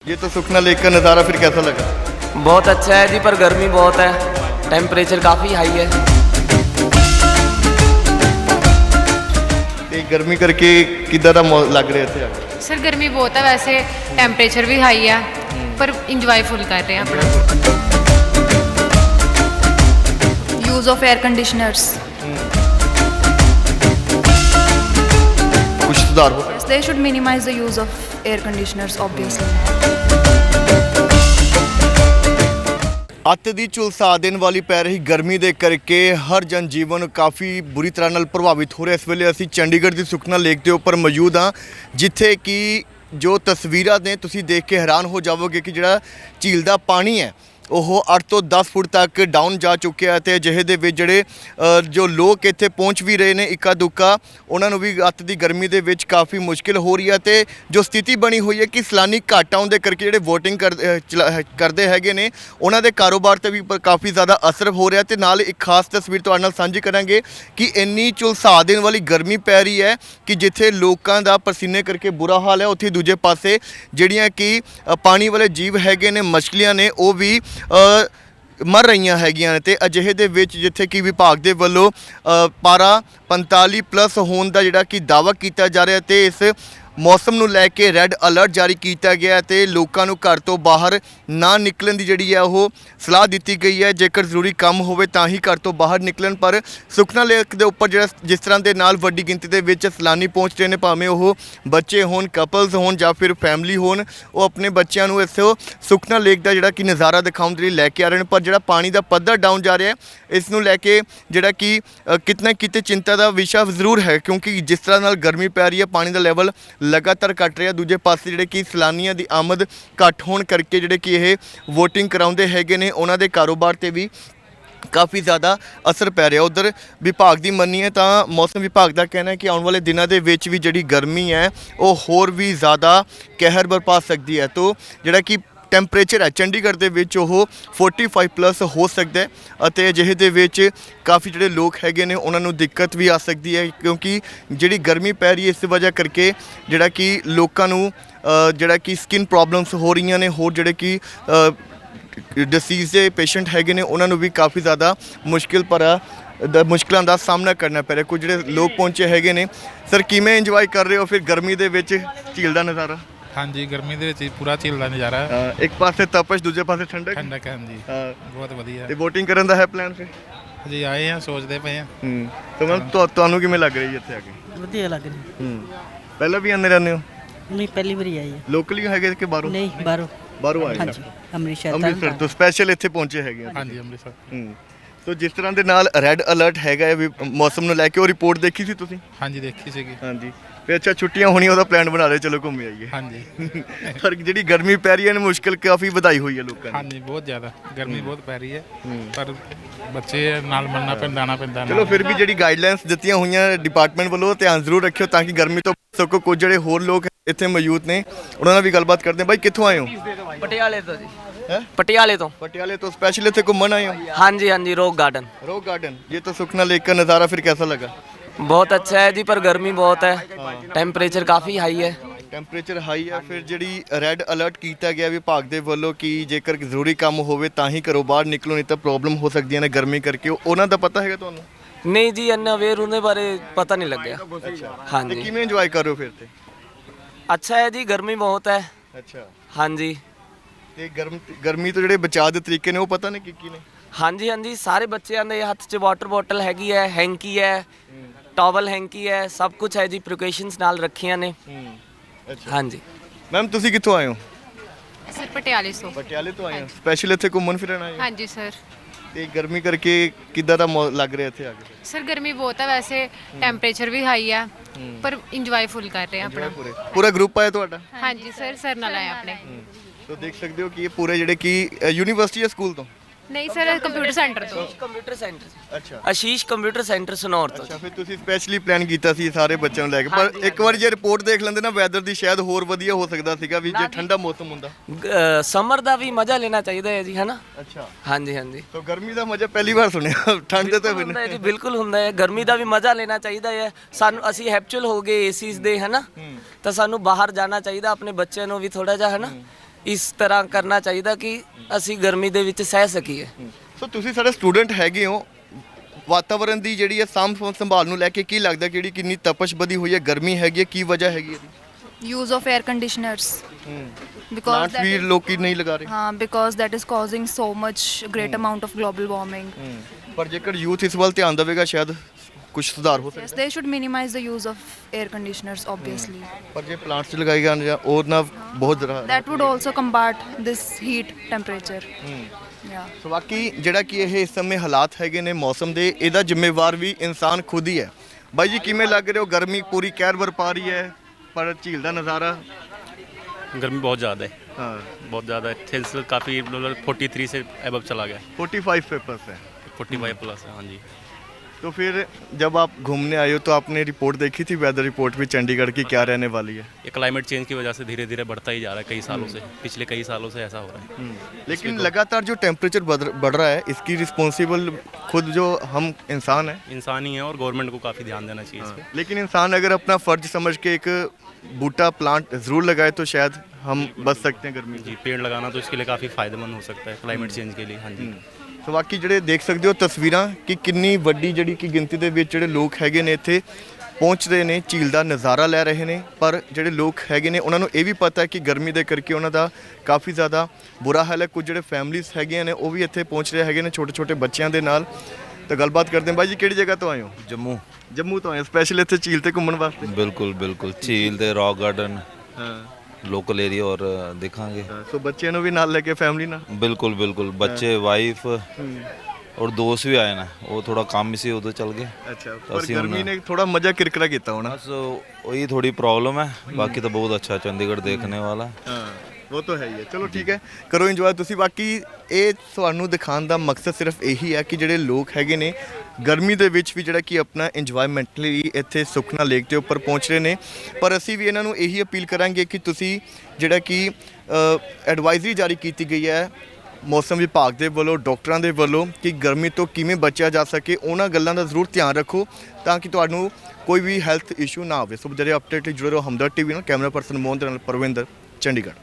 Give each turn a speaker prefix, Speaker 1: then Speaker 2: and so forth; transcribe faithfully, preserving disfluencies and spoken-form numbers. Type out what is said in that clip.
Speaker 1: ये तो सुखना लेक का नज़ारा फिर कैसा लगा?
Speaker 2: बहुत अच्छा है जी, पर गर्मी बहुत है, टेम्परेचर काफ़ी हाई है।
Speaker 1: ਤੇ ਗਰਮੀ ਕਰਕੇ ਕਿੱਦਾਂ ਦਾ ਮੌ- ਲੱਗ ਰਿਹਾ ਇੱਥੇ ਆ ਕੇ?
Speaker 3: सर गर्मी बहुत है, वैसे टेम्परेचर भी हाई है, पर इंजॉय फुल कर रहे हैं अपना।
Speaker 4: यूज़ ऑफ एयर कंडीशनर्स,
Speaker 1: ਕੁਝ ਸੁਧਾਰ ਹੋ
Speaker 4: yes, they should minimize the use of air conditioners obviously.
Speaker 1: ਅੱਤ ਦੀ ਝੁਲਸਾ ਦੇਣ ਵਾਲੀ ਪੈ ਰਹੀ ਗਰਮੀ ਦੇ ਕਰਕੇ ਹਰ ਜਨ ਜੀਵਨ ਕਾਫੀ ਬੁਰੀ ਤਰ੍ਹਾਂ ਨਾਲ ਪ੍ਰਭਾਵਿਤ ਹੋ ਰਿਹਾ। ਇਸ ਵੇਲੇ ਅਸੀਂ ਚੰਡੀਗੜ੍ਹ ਦੀ ਸੁਖਨਾ ਲੇਕ ਦੇ ਉੱਪਰ ਮੌਜੂਦ ਹਾਂ, ਜਿੱਥੇ ਕਿ ਜੋ ਤਸਵੀਰਾਂ ਨੇ ਤੁਸੀਂ ਦੇਖ ਕੇ ਹੈਰਾਨ ਹੋ ਜਾਵੋਗੇ ਕਿ ਜਿਹੜਾ ਝੀਲ ਦਾ ਪਾਣੀ ਹੈ ਉਹ ਅੱਠ ਤੋਂ ਦਸ ਫੁੱਟ ਤੱਕ ਡਾਊਨ ਜਾ ਚੁੱਕਿਆ ਹੈ। ਤੇ ਅਜਿਹੇ ਦੇ ਵਿੱਚ ਜਿਹੜੇ ਅ, ਜੋ ਲੋਕ ਇੱਥੇ ਪਹੁੰਚ ਵੀ ਰਹੇ ਨੇ ਇੱਕਾ ਦੁੱਕਾ, ਉਹਨਾਂ ਨੂੰ ਵੀ ਅੱਤ ਦੀ ਗਰਮੀ ਦੇ ਵਿੱਚ ਕਾਫੀ ਮੁਸ਼ਕਿਲ ਹੋ ਰਹੀ ਹੈ। ਤੇ ਜੋ ਸਥਿਤੀ ਬਣੀ ਹੋਈ ਹੈ ਕਿ ਸੈਲਾਨੀ ਘੱਟ ਆਉਣ ਦੇ ਕਰਕੇ ਜਿਹੜੇ VOTING ਕਰ ਅ, ਚਲਾ- ਅ, ਕਰਦੇ ਹੈਗੇ ਨੇ ਉਹਨਾਂ ਦੇ ਕਾਰੋਬਾਰ ਤੇ ਵੀ ਪਰ ਕਾਫੀ ਜ਼ਿਆਦਾ ਅਸਰ ਹੋ ਰਿਹਾ। ਤੇ ਨਾਲ ਇੱਕ ਖਾਸ ਤਸਵੀਰ ਤੁਹਾਡੇ ਨਾਲ ਸਾਂਝੀ ਕਰਾਂਗੇ ਕਿ ਇੰਨੀ ਝੁਲਸਾ ਦੇਣ ਵਾਲੀ ਗਰਮੀ ਪੈ ਰਹੀ ਹੈ ਕਿ ਜਿੱਥੇ ਲੋਕਾਂ ਦਾ ਪਸੀਨੇ ਕਰਕੇ ਬੁਰਾ ਹਾਲ ਹੈ, ਉੱਥੇ ਦੂਜੇ ਪਾਸੇ ਜਿਹੜੀਆਂ ਕਿ ਅ, ਪਾਣੀ ਵਾਲੇ ਜੀਵ ਹੈਗੇ ਨੇ, ਮਛਲੀਆਂ ਨੇ, ਉਹ ਵੀ ਅ, ਮਰ ਰਹੀਆਂ ਹੈਗੀਆਂ ਨੇ। ਤੇ ਅਜਿਹੇ ਦੇ ਵਿੱਚ ਜਿੱਥੇ ਕਿ ਵਿਭਾਗ ਦੇ ਵੱਲੋਂ ਅ, ਪਾਰਾ ਪੰਤਾਲੀ ਪਲੱਸ ਹੋਣ ਦਾ ਜਿਹੜਾ ਕਿ ਦਾਅਵਾ ਕੀਤਾ ਜਾ ਰਿਹਾ ਤੇ ਇਸ ਮੌਸਮ ਨੂੰ ਲੈ ਕੇ ਰੈੱਡ ਅਲਰਟ ਜਾਰੀ ਕੀਤਾ ਗਿਆ ਤੇ ਲੋਕਾਂ ਨੂੰ ਘਰ ਤੋਂ ਬਾਹਰ ਨਾ ਨਿਕਲਣ ਦੀ ਜਿਹੜੀ ਹੈ ਉਹ ਸਲਾਹ ਦਿੱਤੀ ਗਈ ਹੈ। ਜੇਕਰ ਜ਼ਰੂਰੀ ਕੰਮ ਹੋਵੇ ਤਾਂ ਹੀ ਘਰ ਤੋਂ ਬਾਹਰ ਨਿਕਲਣ। ਪਰ ਸੁਖਨਾ ਲੇਕ ਦੇ ਉੱਪਰ ਜਿਹੜਾ ਜਿਸ ਤਰ੍ਹਾਂ ਦੇ ਨਾਲ ਵੱਡੀ ਗਿਣਤੀ ਦੇ ਵਿੱਚ ਸੈਲਾਨੀ ਪਹੁੰਚ ਰਹੇ ਨੇ, ਭਾਵੇਂ ਉਹ ਬੱਚੇ ਹੋਣ, ਕਪਲਸ ਹੋਣ ਜਾਂ ਫਿਰ ਫੈਮਿਲੀ ਹੋਣ, ਉਹ ਆਪਣੇ ਬੱਚਿਆਂ ਨੂੰ ਇਸ ਸੁਖਨਾ ਲੇਕ ਦਾ ਜਿਹੜਾ ਕਿ ਨਜ਼ਾਰਾ ਦਿਖਾਉਣ ਦੇ ਲਈ ਲੈ ਕੇ ਆ ਰਹੇ ਨੇ। ਪਰ ਜਿਹੜਾ ਪਾਣੀ ਦਾ ਪੱਧਰ ਡਾਊਨ ਜਾ ਰਿਹਾ ਹੈ, ਇਸ ਨੂੰ ਲੈ ਕੇ ਜਿਹੜਾ ਕਿ ਅ, ਕਿਤੇ ਨਾ ਕਿਤੇ ਚਿੰਤਾ ਦਾ ਵਿਸ਼ਾ ਜ਼ਰੂਰ ਹੈ, ਕਿਉਂਕਿ ਜਿਸ ਤਰ੍ਹਾਂ ਨਾਲ ਗਰਮੀ ਪੈ ਰਹੀ ਹੈ, ਪਾਣੀ ਦਾ ਲੈਵਲ ਲਗਾਤਾਰ ਘਟ ਰਿਹਾ। ਦੂਜੇ ਪਾਸੇ ਜਿਹੜੇ ਕਿ ਸੈਲਾਨੀਆਂ ਦੀ ਆਮਦ ਘੱਟ ਹੋਣ ਕਰਕੇ ਜਿਹੜੇ ਕਿ ਇਹ VOTING ਕਰਾਉਂਦੇ ਹੈਗੇ ਨੇ, ਉਹਨਾਂ ਦੇ ਕਾਰੋਬਾਰ ਤੇ ਵੀ ਕਾਫੀ ਜ਼ਿਆਦਾ ਅਸਰ ਪੈ ਰਿਹਾ। ਉਧਰ ਵਿਭਾਗ ਦੀ ਮੰਨੀਏ ਤਾਂ ਮੌਸਮ ਵਿਭਾਗ ਦਾ ਕਹਿਣਾ ਹੈ ਕਿ ਆਉਣ ਵਾਲੇ ਦਿਨਾਂ ਦੇ ਵਿੱਚ ਵੀ ਜਿਹੜੀ ਗਰਮੀ ਹੈ ਉਹ ਹੋਰ ਵੀ ਜ਼ਿਆਦਾ ਕਹਿਰ ਬਰਪਾ ਸਕਦੀ ਹੈ। ਤੋਂ ਜਿਹੜਾ ਕਿ ਟੈਂਪਰੇਚਰ ਹੈ ਚੰਡੀਗੜ੍ਹ ਦੇ ਵਿੱਚ ਉਹ ਪੈਂਤਾਲੀ ਪਲੱਸ ਹੋ ਸਕਦਾ ਹੈ ਅਤੇ ਅਜਿਹੇ ਦੇ ਵਿੱਚ ਕਾਫੀ ਜਿਹੜੇ ਲੋਕ ਹੈਗੇ ਨੇ ਉਹਨਾਂ ਨੂੰ ਦਿੱਕਤ ਵੀ ਆ ਸਕਦੀ ਹੈ, ਕਿਉਂਕਿ ਜਿਹੜੀ ਗਰਮੀ ਪੈ ਰਹੀ ਹੈ ਇਸ ਵਜ੍ਹਾ ਕਰਕੇ ਜਿਹੜਾ ਕਿ ਲੋਕਾਂ ਨੂੰ ਅ, ਜਿਹੜਾ ਕਿ ਸਕਿਨ ਪ੍ਰੋਬਲਮਸ ਹੋ ਰਹੀਆਂ ਨੇ, ਹੋਰ ਜਿਹੜੇ ਕਿ ਡਿਸੀਜ਼ ਦੇ ਪੇਸ਼ੈਂਟ ਹੈਗੇ ਨੇ ਉਹਨਾਂ ਨੂੰ ਵੀ ਕਾਫੀ ਜ਼ਿਆਦਾ ਮੁਸ਼ਕਿਲ ਭਰਾ ਦਾ ਮੁਸ਼ਕਿਲਾਂ ਦਾ ਸਾਹਮਣਾ ਕਰਨਾ ਪੈ ਰਿਹਾ। ਕੁਝ ਜਿਹੜੇ ਲੋਕ ਪਹੁੰਚੇ ਹੈਗੇ ਨੇ, ਸਰ ਕਿਵੇਂ ਇੰਜੋਏ ਕਰ ਰਹੇ ਹੋ ਫਿਰ ਗਰਮੀ ਦੇ ਵਿੱਚ ਝੀਲ ਦਾ ਨਜ਼ਾਰਾ?
Speaker 5: ਹਾਂਜੀ, ਗਰਮੀ ਦੇ ਵਿੱਚ ਹੀ ਪੂਰਾ ਝੀਲ ਦਾ ਨਜ਼ਾਰਾ ਹੈ।
Speaker 1: ਹਾਂ, ਇੱਕ ਪਾਸੇ ਤਪਸ਼, ਦੂਜੇ ਪਾਸੇ ਠੰਡਕ।
Speaker 5: ਠੰਡਕ ਹੈ ਹਾਂਜੀ,
Speaker 1: ਹਾਂ,
Speaker 5: ਬਹੁਤ ਵਧੀਆ।
Speaker 1: ਤੇ VOTING ਕਰਨ ਦਾ ਹੈ ਪਲਾਨ ਫਿਰ?
Speaker 5: ਹਜੇ ਆਏ ਆ, ਸੋਚਦੇ ਪਏ ਆ।
Speaker 1: ਹੂੰ, ਤੇ ਮੈਮ ਤੁਹਾ- ਤੁਹਾਨੂੰ ਕਿਵੇਂ ਲੱਗ ਰਹੀ ਹੈ ਇੱਥੇ ਆ ਕੇ?
Speaker 6: ਵਧੀਆ ਲੱਗ ਰਹੀ।
Speaker 1: ਹੂੰ, ਪਹਿਲਾਂ ਵੀ ਆਉਂਦੇ ਰਹਿੰਦੇ ਹੋ?
Speaker 6: ਨਹੀਂ, ਪਹਿਲੀ ਵਾਰੀ ਆਈ ਹੈ।
Speaker 1: ਲੋਕਲੀ ਹੈਗੇ ਕਿ ਬਾਹਰੋਂ?
Speaker 6: ਨਹੀਂ, ਬਾਹਰੋਂ।
Speaker 1: ਬਾਹਰੋਂ ਆਏ?
Speaker 6: ਹਾਂਜੀ, ਅੰਮ੍ਰਿਤਸਰ
Speaker 1: ਅੰਮ੍ਰਿਤਸਰ ਤੋਂ ਸਪੈਸ਼ਲ ਇੱਥੇ ਪਹੁੰਚੇ ਹੈਗੇ ਆ?
Speaker 5: ਹਾਂਜੀ, ਅੰਮ੍ਰਿਤਸਰ।
Speaker 1: ਹੂੰ, ਸੋ ਜਿਸ ਤਰ੍ਹਾਂ ਦੇ ਨਾਲ ਰੈੱਡ ਅਲਰਟ ਹੈਗਾ ਹੈ ਵੀ ਮੌਸਮ ਨੂੰ ਲੈ ਕੇ, ਉਹ ਰਿਪੋਰਟ ਦੇਖੀ ਸੀ ਤੁਸੀਂ?
Speaker 5: ਹਾਂਜੀ, ਦੇਖੀ ਸੀਗੀ।
Speaker 1: ਹਾਂਜੀ, ਫਿਰ ਅੱਛਾ ਛੁੱਟੀਆਂ ਹੋਣੀਆਂ ਉਹਦਾ ਪਲਾਨ ਬਣਾ ਰਹੇ ਚਲੋ ਘੁੰਮ ਆਈਏ।
Speaker 5: ਹਾਂਜੀ
Speaker 1: ਪਰ ਜਿਹੜੀ ਗਰਮੀ ਪੈ ਰਹੀ ਹੈ ਇਹਨੇ ਮੁਸ਼ਕਿਲ ਕਾਫੀ ਵਧਾਈ ਹੋਈ ਹੈ ਲੋਕਾਂ ਦੀ।
Speaker 5: ਹਾਂਜੀ, ਬਹੁਤ ਜ਼ਿਆਦਾ ਗਰਮੀ ਬਹੁਤ ਪੈ ਰਹੀ ਹੈ, ਪਰ ਬੱਚੇ ਨਾਲ ਮੰਨਣਾ ਪੈਂਦਾ, ਆਉਣਾ ਪੈਂਦਾ ਨਾਲ।
Speaker 1: ਚਲੋ ਫਿਰ ਵੀ ਜਿਹੜੀ ਗਾਈਡਲਾਈਨਸ ਦਿੱਤੀਆਂ ਹੋਈਆਂ ਡਿਪਾਰਟਮੈਂਟ ਵੱਲੋਂ ਧਿਆਨ ਜ਼ਰੂਰ ਰੱਖਿਓ ਤਾਂ ਕਿ ਗਰਮੀ ਤੋਂ ਬਚ ਸਕੋ। ਕੁਝ ਜਿਹੜੇ ਹੋਰ ਲੋਕ ਇੱਥੇ ਮੌਜੂਦ ਨੇ ਉਹਨਾਂ ਨਾਲ ਵੀ ਗੱਲਬਾਤ ਕਰਦੇ ਹਾਂ। ਬਾਈ ਕਿੱਥੋਂ ਆਏ ਹੋ?
Speaker 2: ਪਟਿਆਲੇ ਤੋਂ ਜੀ।
Speaker 1: ਹੈ
Speaker 2: ਪਟਿਆਲੇ ਤੋਂ।
Speaker 1: पटियाले तो स्पेशल इतने घूमन आए हो?
Speaker 2: हाँ जी, हाँ जी, रॉक गार्डन।
Speaker 1: रॉक गार्डन, ये तो सुखना लेक का नज़ारा फिर कैसा लगा?
Speaker 2: बहुत अच्छा है जी, पर गर्मी बहुत है, टेम्परेचर काफ़ी हाई है।
Speaker 1: ਟੈਂਪਰੇਚਰ ਹਾਈ ਹੈ। ਫਿਰ ਜਿਹੜੀ ਰੈੱਡ ਅਲਰਟ ਕੀਤਾ ਗਿਆ ਵਿਭਾਗ ਦੇ ਵੱਲੋਂ ਕਿ ਜੇਕਰ ਜ਼ਰੂਰੀ ਕੰਮ ਹੋਵੇ ਤਾਂ ਹੀ ਘਰੋਂ ਬਾਹਰ ਨਿਕਲੋ, ਨਹੀਂ ਤਾਂ ਪ੍ਰੋਬਲਮ ਹੋ ਸਕਦੀਆਂ ਨੇ ਗਰਮੀ ਕਰਕੇ, ਉਹਨਾਂ ਦਾ ਪਤਾ ਹੈਗਾ ਤੁਹਾਨੂੰ?
Speaker 2: नहीं जी, अन्य अवेयर होने बारे पता नहीं लग गया। हाँ
Speaker 1: ਤੇ
Speaker 2: जी,
Speaker 1: ਕਿਵੇਂ ਇੰਜੋਏ ਕਰ ਰਹੇ ਹੋ ਫਿਰ ਤੇ?
Speaker 2: अच्छा है जी, गर्मी बहुत है।
Speaker 1: ਅੱਛਾ,
Speaker 2: हाँ जी,
Speaker 1: ਤੇ ਗਰਮ ਗਰਮੀ ਤੋਂ ਜਿਹੜੇ ਬਚਾਅ ਦੇ ਤਰੀਕੇ ਨੇ ਉਹ ਪਤਾ ਨੇ ਕੀ ਕੀ ਨੇ?
Speaker 2: हाँ जी, हाँ जी, सारे बच्चों के हथ च वाटर बॉटल हैगी है, हैंकी है, टॉवल हैंकी है, सब कुछ है जी, प्रिकॉशनस नाल रखियां ने।
Speaker 1: ਅੱਛਾ
Speaker 2: हाँ जी।
Speaker 1: ਮੈਮ ਤੁਸੀਂ ਕਿੱਥੋਂ ਆਏ ਹੋ?
Speaker 3: सर पटियाले सो।
Speaker 1: ਪਟਿਆਲੇ ਤੋਂ ਆਏ ਹੋ ਸਪੈਸ਼ਲ ਇੱਥੇ ਘੁੰਮਣ ਫਿਰਨ ਆਏ ਹੋ?
Speaker 3: हाँ जी सर।
Speaker 1: ਤੇ ਗਰਮੀ ਕਰਕੇ ਕਿੱਦਾਂ ਦਾ ਮੌ- ਲੱਗ ਰਿਹਾ ਇੱਥੇ ਆ ਕੇ?
Speaker 3: सर गर्मी बहुत है, वैसे टेम्परेचर भी हाई है, पर इंजॉय फुल कर रहे हैं अपना।
Speaker 1: ਪੂਰੇ ਪੂਰਾ ਗਰੁੱਪ ਆਇਆ ਤੁਹਾਡਾ?
Speaker 3: हाँ जी सर, सर नाल आए अपने।
Speaker 1: ਤੋ ਦੇਖ ਸਕਦੇ ਹੋ ਕਿ ਇਹ ਪੂਰੇ ਜਿਹੜੇ ਕਿ ਯੂਨੀਵਰਸਿਟੀ ਜਾਂ ਸਕੂਲ ਤੋਂ?
Speaker 3: नहीं सर, कंप्यूटर सेंटर तो।
Speaker 2: Computer centre.
Speaker 1: ਅੱਛਾ
Speaker 2: आशीष कंप्यूटर सेंटर सनौर तो।
Speaker 1: ਅੱਛਾ, ਫਿਰ ਤੁਸੀਂ ਸਪੈਸ਼ਲੀ ਪਲਾਨ ਕੀਤਾ ਸੀ ਸਾਰੇ ਬੱਚਿਆਂ ਨੂੰ ਲੈ ਕੇ, ਪਰ ਇੱਕ ਵਾਰ ਜੇ ਰਿਪੋਰਟ ਦੇਖ ਲੈਂਦੇ ਨਾ ਵੈਦਰ ਦੀ, ਸ਼ਾਇਦ ਹੋਰ ਵਧੀਆ ਹੋ ਸਕਦਾ ਸੀਗਾ ਵੀ ਜੇ ਠੰਡਾ ਮੌਸਮ ਹੁੰਦਾ।
Speaker 2: समर ਦਾ ਵੀ ਮਜ਼ਾ ਲੈਣਾ ਚਾਹੀਦਾ ਹੈ ਜੀ, ਹੈ ਨਾ?
Speaker 1: ਅੱਛਾ,
Speaker 2: ਹਾਂਜੀ ਹਾਂਜੀ,
Speaker 1: ਤਾਂ ਗਰਮੀ ਦਾ ਮਜ਼ਾ ਪਹਿਲੀ ਵਾਰ ਸੁਣਿਆ, ਠੰਡ ਦੇ ਤਾਂ ਵੀ
Speaker 2: ਹੁੰਦਾ ਹੈ ਜੀ, ਬਿਲਕੁਲ ਹੁੰਦਾ ਹੈ। ਗਰਮੀ ਦਾ ਵੀ ਮਜ਼ਾ ਲੈਣਾ ਚਾਹੀਦਾ ਹੈ ਸਾਨੂੰ। ਅਸੀਂ ਹੈਪਚੁਅਲ ਹੋ ਗਏ ਏਸੀਜ਼ ਦੇ, ਹੈ ਨਾ? ਤਾਂ ਸਾਨੂੰ ਬਾਹਰ ਜਾਣਾ ਚਾਹੀਦਾ, ਆਪਣੇ ਬੱਚਿਆਂ ਨੂੰ ਵੀ ਥੋੜਾ ਜਿਹਾ, ਹੈ ਨਾ, ਇਸ ਤਰ੍ਹਾਂ ਕਰਨਾ ਚਾਹੀਦਾ ਕਿ ਅਸੀਂ ਗਰਮੀ ਦੇ ਵਿੱਚ ਸਹਿ ਸਕੀਏ।
Speaker 1: ਸੋ ਤੁਸੀਂ ਸਾਡੇ ਸਟੂਡੈਂਟ ਹੈਗੇ ਹੋ, ਵਾਤਾਵਰਣ ਦੀ ਜਿਹੜੀ ਹੈ ਸਾਂਭ ਸੰਭਾਲ ਨੂੰ ਲੈ ਕੇ ਕੀ ਲੱਗਦਾ ਕਿਹੜੀ ਕਿੰਨੀ ਤਪਸ਼ ਵਧੀ ਹੋਈ ਹੈ, ਗਰਮੀ ਹੈਗੀ ਹੈ, ਕੀ ਵਜ੍ਹਾ ਹੈਗੀ ਹੈ?
Speaker 4: Use of air conditioners. Because
Speaker 1: plants
Speaker 4: that
Speaker 1: ਵੀ
Speaker 4: is,
Speaker 1: ਲੋਕੀ ਨਹੀਂ ਲਗਾ ਰਹੇ।
Speaker 4: हाँ, because that is causing so much great amount of global warming.
Speaker 1: ਪਰ ਜੇਕਰ ਯੂਥ ਇਸ ਵੱਲ ਧਿਆਨ ਦੇਵੇਗਾ ਸ਼ਾਇਦ ਕੁਝ ਸੁਧਾਰ ਹੋ
Speaker 4: Yes,
Speaker 1: ਸਕਦਾ।
Speaker 4: they should minimize the use of air conditioners, obviously.
Speaker 1: ਪਰ ਜੇ ਪਲਾਂਟਸ ਲਗਾਏ ਜਾਣ ਜਾਂ ਉਹ ਨਾ ਬਹੁਤ ਜ਼ਰਾ
Speaker 4: That would also combat this heat temperature. Yeah.
Speaker 1: ਸੋ ਬਾਕੀ ਜਿਹੜਾ ਕਿ ਇਹ ਇਸ ਸਮੇਂ ਹਾਲਾਤ ਹੈਗੇ ਨੇ ਮੌਸਮ ਦੇ, ਇਹਦਾ ਜ਼ਿੰਮੇਵਾਰ ਵੀ ਇਨਸਾਨ ਖੁਦ ਹੀ ਹੈ। ਬਾਈ ਜੀ ਕਿਵੇਂ ਲੱਗ ਰਿਹਾ ਹੋ? ਗਰਮੀ ਪੂਰੀ ਕਹਿਰ ਬਰਪਾ ਰਹੀ ਹੈ ਪਰ ਝੀਲ ਦਾ ਨਜ਼ਾਰਾ।
Speaker 7: गर्मी बहुत ज़्यादा है,
Speaker 1: हाँ
Speaker 7: बहुत ज़्यादा है। सेल्सियस काफ़ी मतलब फोर्टी थ्री से एबव चला गया,
Speaker 1: पैंतालीस पेपर्स है।
Speaker 7: फोर्टी फाइव प्लस है। हाँ जी।
Speaker 1: तो फिर जब आप घूमने आए हो तो आपने रिपोर्ट देखी थी, वेदर रिपोर्ट भी चंडीगढ़ की क्या रहने वाली है?
Speaker 7: ये क्लाइमेट चेंज की वजह से धीरे धीरे बढ़ता ही जा रहा है, कई सालों से, पिछले कई सालों से ऐसा हो रहा है।
Speaker 1: लेकिन लगातार जो टेम्परेचर बढ़ रहा है इसकी रिस्पॉन्सिबल खुद जो हम इंसान हैं।
Speaker 7: इंसान ही है और गवर्नमेंट को काफ़ी ध्यान देना चाहिए इस पे।
Speaker 1: लेकिन इंसान अगर अपना फ़र्ज समझ के एक बूटा प्लांट ज़रूर लगाए तो शायद हम बच सकते हैं गर्मी
Speaker 7: जी, पेड़ लगाना तो इसके लिए काफ़ी फ़ायदेमंद हो सकता है क्लाइमेट चेंज के लिए। हाँ जी।
Speaker 1: ਸੋ ਬਾਕੀ ਜਿਹੜੇ ਦੇਖ ਸਕਦੇ ਹੋ ਤਸਵੀਰਾਂ ਕਿ ਕਿੰਨੀ ਵੱਡੀ ਜਿਹੜੀ ਕਿ ਗਿਣਤੀ ਦੇ ਵਿੱਚ ਜਿਹੜੇ ਲੋਕ ਹੈਗੇ ਨੇ ਇੱਥੇ ਪਹੁੰਚ ਰਹੇ ਨੇ, ਝੀਲ ਦਾ ਨਜ਼ਾਰਾ ਲੈ ਰਹੇ ਨੇ। ਪਰ ਜਿਹੜੇ ਲੋਕ ਹੈਗੇ ਨੇ ਉਹਨਾਂ ਨੂੰ ਇਹ ਵੀ ਪਤਾ ਹੈ ਕਿ ਗਰਮੀ ਦੇ ਕਰਕੇ ਉਹਨਾਂ ਦਾ ਕਾਫੀ ਜ਼ਿਆਦਾ ਬੁਰਾ ਹਾਲ ਹੈ। ਕੁਝ ਜਿਹੜੇ ਫੈਮਲੀਜ਼ ਹੈਗੀਆਂ ਨੇ ਉਹ ਵੀ ਇੱਥੇ ਪਹੁੰਚ ਰਹੇ ਹੈਗੇ ਨੇ ਛੋਟੇ ਛੋਟੇ ਬੱਚਿਆਂ ਦੇ ਨਾਲ। ਤਾਂ ਗੱਲਬਾਤ ਕਰਦੇ ਹਾਂ। ਬਾਈ ਜੀ ਕਿਹੜੀ ਜਗ੍ਹਾ ਤੋਂ ਆਏ ਹੋ?
Speaker 8: जम्मू।
Speaker 1: ਜੰਮੂ ਤੋਂ ਆਏ ਸਪੈਸ਼ਲ ਇੱਥੇ ਝੀਲ ਤੇ ਘੁੰਮਣ ਵਾਸਤੇ?
Speaker 8: बिल्कुल बिल्कुल झील ते रॉक गार्डन
Speaker 1: ਹਾਂ
Speaker 8: लोकल एरिया और दिखांगे।
Speaker 1: ਸੋ ਬੱਚਿਆਂ ਨੂੰ ਵੀ ਨਾਲ ਲੈ ਕੇ ਫੈਮਲੀ ਨਾਲ?
Speaker 8: बिल्कुल बिल्कुल बच्चे वाइफ और दोस्त भी आए ना, वो थोड़ा काम में सी उधर चल गए।
Speaker 1: ਅੱਛਾ
Speaker 8: ਤਾਂ
Speaker 1: ਪਰ
Speaker 8: ਅਸੀਂ
Speaker 1: ਗਰਮੀ
Speaker 8: ਹੁਣ-
Speaker 1: ਨੇ ਥੋੜਾ ਮਜ਼ਾ ਕਿਰਕਰਾ ਕੀਤਾ ਹੋਣਾ।
Speaker 8: बस वही थोड़ी प्रॉब्लम है, बाकी तो बहुत अच्छा चंडीगढ़ देखने वाला।
Speaker 1: ਹਾਂ ਉਹ ਤਾਂ ਹੈ ਹੀ ਹੈ। ਚਲੋ ਠੀਕ ਹੈ, ਕਰੋ ਇੰਜੋਏ ਤੁਸੀਂ। ਬਾਕੀ ਇਹ ਤੁਹਾਨੂੰ ਦਿਖਾਉਣ ਦਾ ਮਕਸਦ ਸਿਰਫ ਇਹੀ ਹੈ ਕਿ ਜਿਹੜੇ ਲੋਕ ਹੈਗੇ ਨੇ ਗਰਮੀ ਦੇ ਵਿੱਚ ਵੀ ਜਿਹੜਾ ਕਿ ਆਪਣਾ ਇੰਜੋਇਮੈਂਟ ਲਈ ਇੱਥੇ ਸੁਖਨਾ ਲੇਕ ਦੇ ਉੱਪਰ ਪਹੁੰਚ ਰਹੇ ਨੇ। ਪਰ ਅਸੀਂ ਵੀ ਇਹਨਾਂ ਨੂੰ ਇਹੀ ਅਪੀਲ ਕਰਾਂਗੇ ਕਿ ਤੁਸੀਂ ਜਿਹੜਾ ਕਿ ਐਡਵਾਈਜ਼ਰੀ ਜਾਰੀ ਕੀਤੀ ਗਈ ਹੈ ਮੌਸਮ ਵਿਭਾਗ ਦੇ ਵੱਲੋਂ, ਡਾਕਟਰਾਂ ਦੇ ਵੱਲੋਂ, ਕਿ ਗਰਮੀ ਤੋਂ ਕਿਵੇਂ ਬਚਿਆ ਜਾ ਸਕੇ, ਉਹਨਾਂ ਗੱਲਾਂ ਦਾ ਜ਼ਰੂਰ ਧਿਆਨ ਰੱਖੋ ਤਾਂ ਕਿ ਤੁਹਾਨੂੰ ਕੋਈ ਵੀ ਹੈਲਥ ਇਸ਼ੂ ਨਾ ਆਵੇ। ਸੋ ਜਿਹੜੇ ਅਪਡੇਟ ਜੁੜੇ ਰਹੋ ਹਮਦਰਦ ਟੀਵੀ ਨਾਲ। ਕੈਮਰਾ ਪਰਸਨ ਮੋਹਨ ਦੇ ਨਾਲ ਪਰਵਿੰਦਰ, ਚੰਡੀਗੜ੍ਹ।